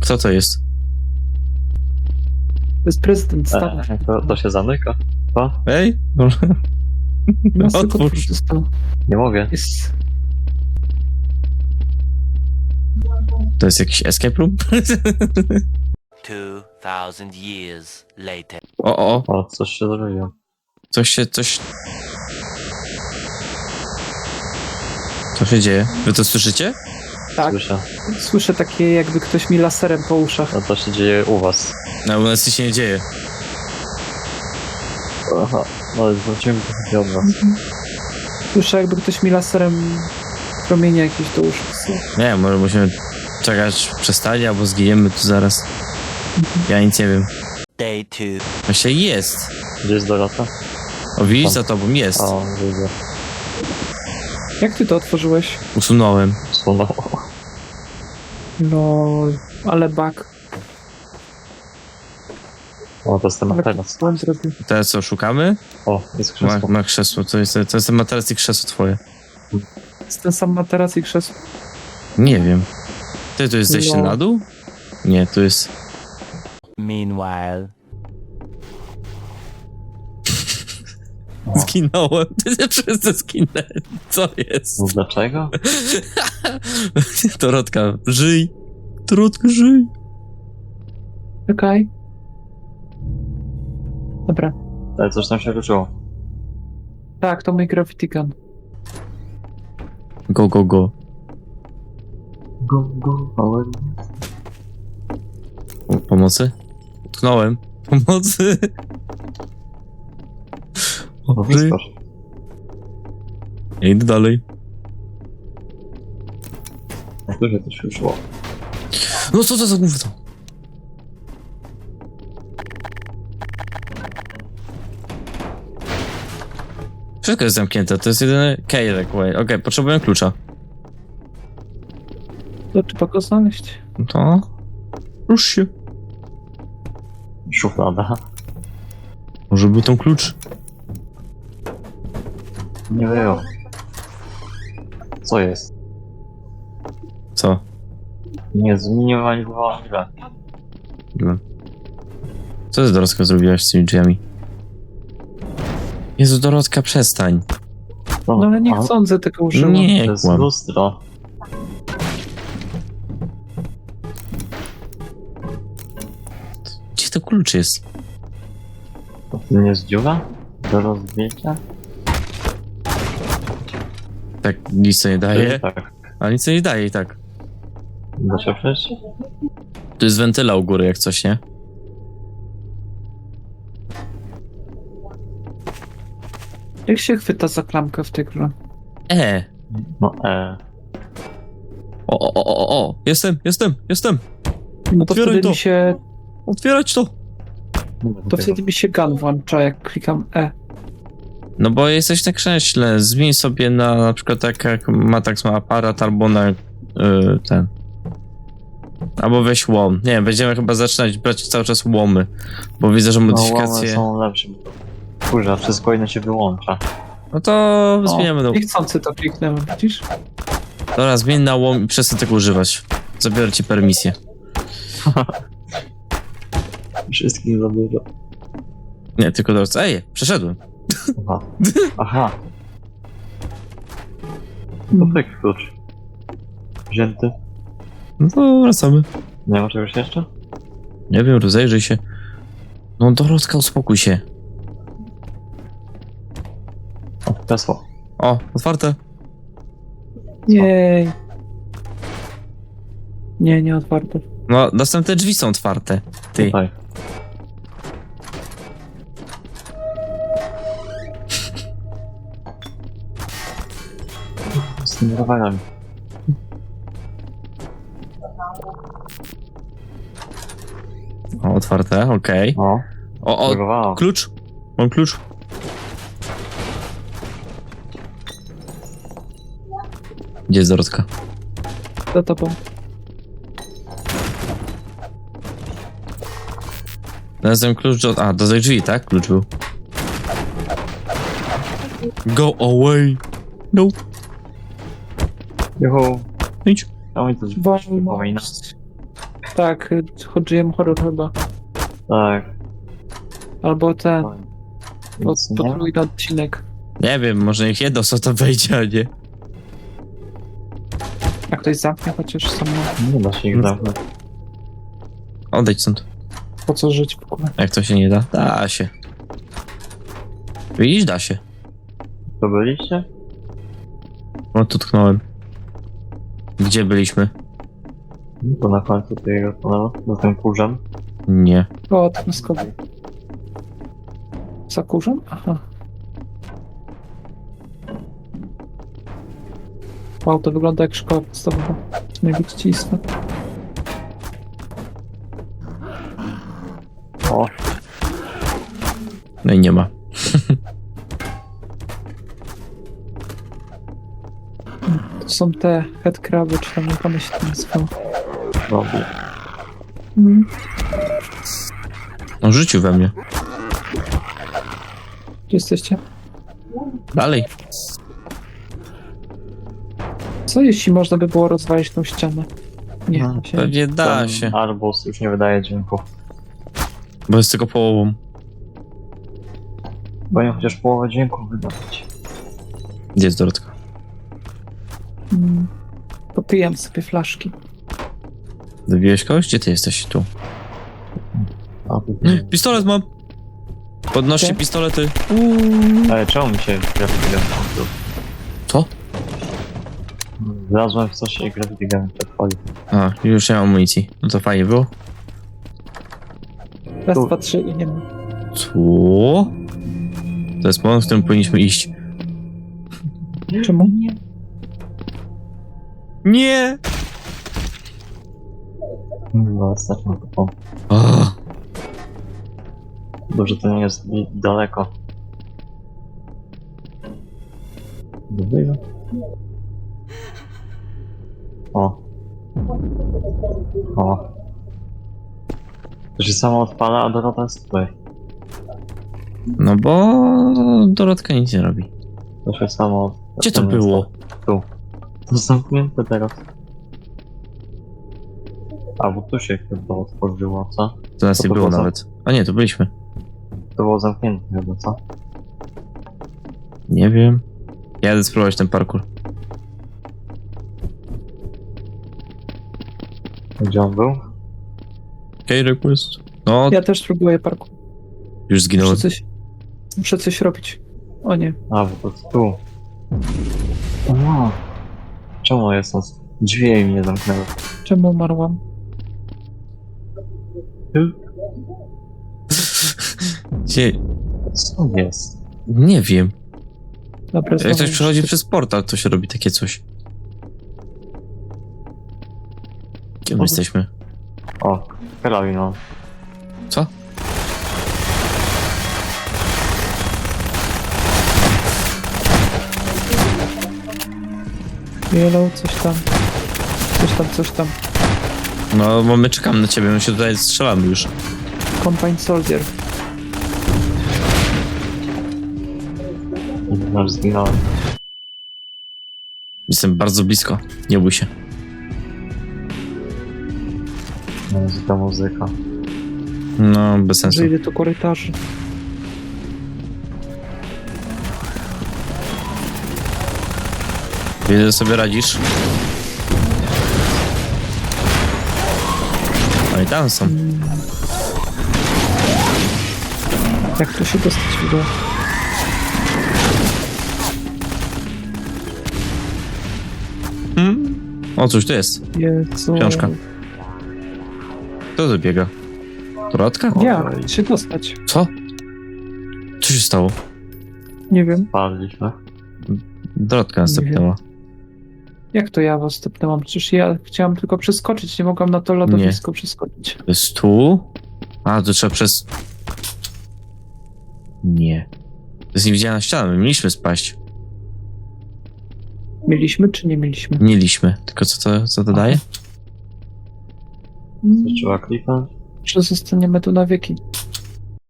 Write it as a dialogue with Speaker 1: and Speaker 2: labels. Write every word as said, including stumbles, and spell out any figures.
Speaker 1: Kto to jest?
Speaker 2: To jest prezydent Stanów.
Speaker 3: E, to, to się zamyka. O,
Speaker 1: Ej?
Speaker 2: No, tylko
Speaker 1: Otwórz.
Speaker 2: zostało.
Speaker 3: nie mogę.
Speaker 2: Jest...
Speaker 1: To jest jakiś escape room?
Speaker 4: Two thousand years later.
Speaker 1: O, o, o.
Speaker 3: O, coś się zrobiło.
Speaker 1: Coś się, coś... Co się dzieje? Wy to słyszycie?
Speaker 2: Tak,
Speaker 3: Słyszę.
Speaker 2: słyszę takie jakby ktoś mi laserem po uszach.
Speaker 3: No to się dzieje u was.
Speaker 1: No, u nas nic się nie dzieje.
Speaker 3: Aha, no zwróciłem trochę od was.
Speaker 2: Słyszę jakby ktoś mi laserem promienie jakieś do uszów.
Speaker 1: Nie wiem, może musimy czekać, przestali, albo zginiemy tu zaraz. Ja nic nie wiem.
Speaker 4: Day two.
Speaker 1: Właśnie jest.
Speaker 3: Gdzie jest Dorota?
Speaker 1: O, widzisz,
Speaker 3: Tam.
Speaker 1: za tobą jest.
Speaker 3: O, widzę.
Speaker 2: Jak ty to otworzyłeś?
Speaker 1: Usunąłem.
Speaker 3: Sunęło.
Speaker 2: No, ale bug.
Speaker 3: O, to jest ten
Speaker 2: Ale
Speaker 3: materac.
Speaker 2: błąd zrobił.
Speaker 1: Teraz co, szukamy?
Speaker 3: O, jest
Speaker 1: Ma,
Speaker 3: krzesło.
Speaker 1: ma krzesło, to jest, to jest ten materac i krzesło twoje.
Speaker 2: Jest ten sam materac i krzesło.
Speaker 1: Nie wiem. Ty, tu jest zejście
Speaker 2: No.
Speaker 1: na dół? Nie, tu jest...
Speaker 4: Meanwhile.
Speaker 3: O.
Speaker 1: Zginąłem. Ty się wszyscy zginęli. Co jest?
Speaker 3: No dlaczego?
Speaker 1: Dorotka, żyj. Dorotka, żyj.
Speaker 2: Okej. Dobra.
Speaker 3: Ale coś tam się ruszyło.
Speaker 2: Tak, to mój Gravity Gun.
Speaker 1: Go, go, go.
Speaker 3: Go, go, ale...
Speaker 1: O, pomocy? Utknąłem. Pomocy.
Speaker 3: No
Speaker 1: O, żyj.
Speaker 3: wyskocz.
Speaker 1: Ja idę dalej.
Speaker 3: Jak to się coś ruszyło?
Speaker 1: No co to za gówno? Wszystko jest zamknięte, to jest jedyny kejlek. Okej, okay, potrzebuję klucza.
Speaker 2: To trzeba go znaleźć.
Speaker 1: No to... Rusz się.
Speaker 3: Szuflada.
Speaker 1: Może był ten klucz?
Speaker 3: Nie wiem. Co jest?
Speaker 1: Co?
Speaker 3: Nie, zminimalizowałem grę.
Speaker 1: No. Co ty, Dorotka, zrobiłaś z tymi drzwiami? Jezu, Dorotka, przestań.
Speaker 2: No ale
Speaker 3: a,
Speaker 2: niechcący tego użyłam.
Speaker 1: Nie,
Speaker 3: To jest
Speaker 1: kłam.
Speaker 3: lustro.
Speaker 1: Gdzie to klucz jest?
Speaker 3: To nie jest dziura? Do rozbicia?
Speaker 1: Tak, nic to nie daje.
Speaker 3: Tak.
Speaker 1: Ale nic to nie daje i tak.
Speaker 3: Da się przejść?
Speaker 1: Tu jest wentyla u góry, jak coś, nie?
Speaker 2: Jak się chwyta za klamkę w tej grze?
Speaker 1: E!
Speaker 3: No e.
Speaker 1: O, o, o, o, o! Jestem, jestem, jestem!
Speaker 2: No to
Speaker 1: Otwieraj
Speaker 2: wtedy
Speaker 1: to.
Speaker 2: mi się...
Speaker 1: Otwierać to!
Speaker 2: To wtedy mi się gun włącza, jak klikam E.
Speaker 1: No bo jesteś na krześle, zmień sobie na na przykład tak jak Matax ma aparat, albo na y, ten. Albo weź łom. Nie wiem, będziemy chyba zaczynać brać cały czas łomy, bo widzę, że
Speaker 3: No łamy
Speaker 1: modyfikacje...
Speaker 3: są lepsze. Kurwa, wszystko inne się wyłącza.
Speaker 1: No to
Speaker 2: O,
Speaker 1: zmieniamy do...
Speaker 2: niechcący to kliknąłem, widzisz?
Speaker 1: Dobra, zmień na łom i przestań tego używać. Zabiorę ci permisję.
Speaker 3: Wszystkich zabiera.
Speaker 1: Nie, tylko teraz... Ej, przeszedłem.
Speaker 3: Aha. Aha. To pyk klucz. Wzięty.
Speaker 1: No to wracamy.
Speaker 3: Nie ma czegoś jeszcze?
Speaker 1: Nie wiem, rozejrzyj się. No Dorotka, uspokój się.
Speaker 3: O, kresło.
Speaker 1: O, otwarte.
Speaker 2: Nie. Nie, nie otwarte.
Speaker 1: No, następne drzwi są otwarte. Ty.
Speaker 3: Tutaj. Z tymi rowerami.
Speaker 1: O, otwarte, okej.
Speaker 3: O,
Speaker 1: O, o,
Speaker 3: próbowało.
Speaker 1: klucz. Mam klucz. Gdzie jest Dorotka?
Speaker 2: Za tobą.
Speaker 1: Znalazłem klucz do... A, do tej drzwi, tak? Klucz był. Go away. No.
Speaker 3: Juhu.
Speaker 1: Idź.
Speaker 3: A mi to
Speaker 2: Bo...
Speaker 3: przypomina.
Speaker 2: Tak, y, chodziłem horror chyba.
Speaker 3: Tak.
Speaker 2: Albo ten,
Speaker 3: Fajnie.
Speaker 2: pod,
Speaker 3: Nic nie ma?
Speaker 2: podwójny odcinek.
Speaker 1: Nie wiem, może niech jedno co to wejdzie, a nie.
Speaker 2: Jak ktoś zamknie chociaż samo.
Speaker 3: Nie da się ich zamknąć.
Speaker 1: Odejdź stąd.
Speaker 2: Po co żyć w ogóle?
Speaker 1: Jak to się nie da? Da się. Widzisz, da się.
Speaker 3: To byliście?
Speaker 1: O, tu tknąłem. Gdzie byliśmy?
Speaker 3: No to na końcu tego tunelu, za tym kurzem.
Speaker 1: Nie.
Speaker 2: O, tnuskowy. Za kurzem? Aha. Wow, to wygląda jak szkoła podstawowa. Nie widzicie istot.
Speaker 3: O,
Speaker 1: No i nie ma.
Speaker 2: To są te headcraby, czy tam jak one się tam nazywają.
Speaker 3: robi.
Speaker 2: Mm.
Speaker 1: On rzucił we mnie.
Speaker 2: Gdzie jesteście?
Speaker 1: Dalej.
Speaker 2: Co jeśli można by było rozwalić tą ścianę? Nie,
Speaker 3: No,
Speaker 2: się...
Speaker 1: Pewnie da
Speaker 3: Ten
Speaker 1: się.
Speaker 3: arbus już nie wydaje dźwięku.
Speaker 1: Bo jest tylko połową.
Speaker 3: Powinien chociaż połowę dźwięku wydawać.
Speaker 1: Gdzie jest Dorotka?
Speaker 2: Mm. Popijam sobie flaszki.
Speaker 1: Dobiłeś kogoś? Gdzie ty jesteś? Tu.
Speaker 3: A, tu
Speaker 1: Pistolet mam! Podnoście
Speaker 2: Gdzie?
Speaker 1: pistolety.
Speaker 3: Ale czemu mi się Gravity Gun włączył?
Speaker 1: Co?
Speaker 3: Wlazłem w coś i Gravity Gun przepalił.
Speaker 1: A, już nie mam amunicji. No to fajnie było.
Speaker 2: Raz,
Speaker 3: Tu.
Speaker 2: dwa, trzy i nie ma.
Speaker 1: Co? To jest moment, w którym powinniśmy iść.
Speaker 2: Czemu?
Speaker 1: Nie!
Speaker 3: No, stać na to.
Speaker 1: O,
Speaker 3: Dobrze, to nie jest i- daleko. Dobra. O. O. To się samo odpala, a Dorota jest tutaj.
Speaker 1: no bo Dorotka nic nie robi.
Speaker 3: To się samo...
Speaker 1: Gdzie to było?
Speaker 3: Tu. To zamknięte teraz. A, bo tu się chyba otworzyło, co?
Speaker 1: To nas
Speaker 3: To
Speaker 1: nie
Speaker 3: to
Speaker 1: było
Speaker 3: było
Speaker 1: nawet. A nie, to byliśmy.
Speaker 3: To było zamknięte chyba, co?
Speaker 1: Nie wiem. Jadę spróbować ten parkour.
Speaker 3: Gdzie on był?
Speaker 1: Okej, request. No,
Speaker 2: Ja też próbuję parku.
Speaker 1: już zginąłem.
Speaker 2: Muszę coś, muszę coś robić. O nie.
Speaker 3: A, bo to jest tu. O, czemu jest nas? Drzwi mi nie zamknęły.
Speaker 2: Czemu umarłam?
Speaker 1: Gdzie?
Speaker 3: Co jest?
Speaker 1: Nie wiem.
Speaker 2: Dobra,
Speaker 1: Jak
Speaker 2: znowu
Speaker 1: ktoś przechodzi
Speaker 2: muszę-
Speaker 1: przez portal, to się robi takie coś. Gdzie my
Speaker 3: O.
Speaker 1: jesteśmy?
Speaker 3: O, karabin.
Speaker 1: Co?
Speaker 2: Yellow, coś tam. Coś tam, coś tam.
Speaker 1: No, bo my czekamy na ciebie, my się tutaj strzelamy już.
Speaker 2: Combine Soldier.
Speaker 3: Nasz zginąłem.
Speaker 1: Jestem bardzo blisko. Nie bój się.
Speaker 3: Muzyka, muzyka.
Speaker 1: No, bez sensu.
Speaker 2: Że idę do korytarzy.
Speaker 1: Widzę, że sobie radzisz. No i tam są.
Speaker 2: Jak tu się dostać w ogóle?
Speaker 1: Hmm? O, cóż to jest?
Speaker 2: Jezu.
Speaker 1: Książka. Kto tu biega? Dorotka?
Speaker 2: Jak się dostać?
Speaker 1: Co? Co się stało?
Speaker 2: Nie wiem.
Speaker 3: Padliśmy.
Speaker 1: Dorotka następnęła.
Speaker 2: Jak to ja was stepnęłam? Przecież ja chciałam tylko przeskoczyć. Nie mogłam na to lodowisko przeskoczyć.
Speaker 1: To jest tu? A, to trzeba przez... Nie. To jest niewidzialna ściana, my mieliśmy spaść.
Speaker 2: Mieliśmy czy nie mieliśmy?
Speaker 1: Mieliśmy. Tylko co to, co to daje?
Speaker 2: Mm,
Speaker 3: Co trzeba kliknąć?
Speaker 2: Że zostaniemy tu na wieki.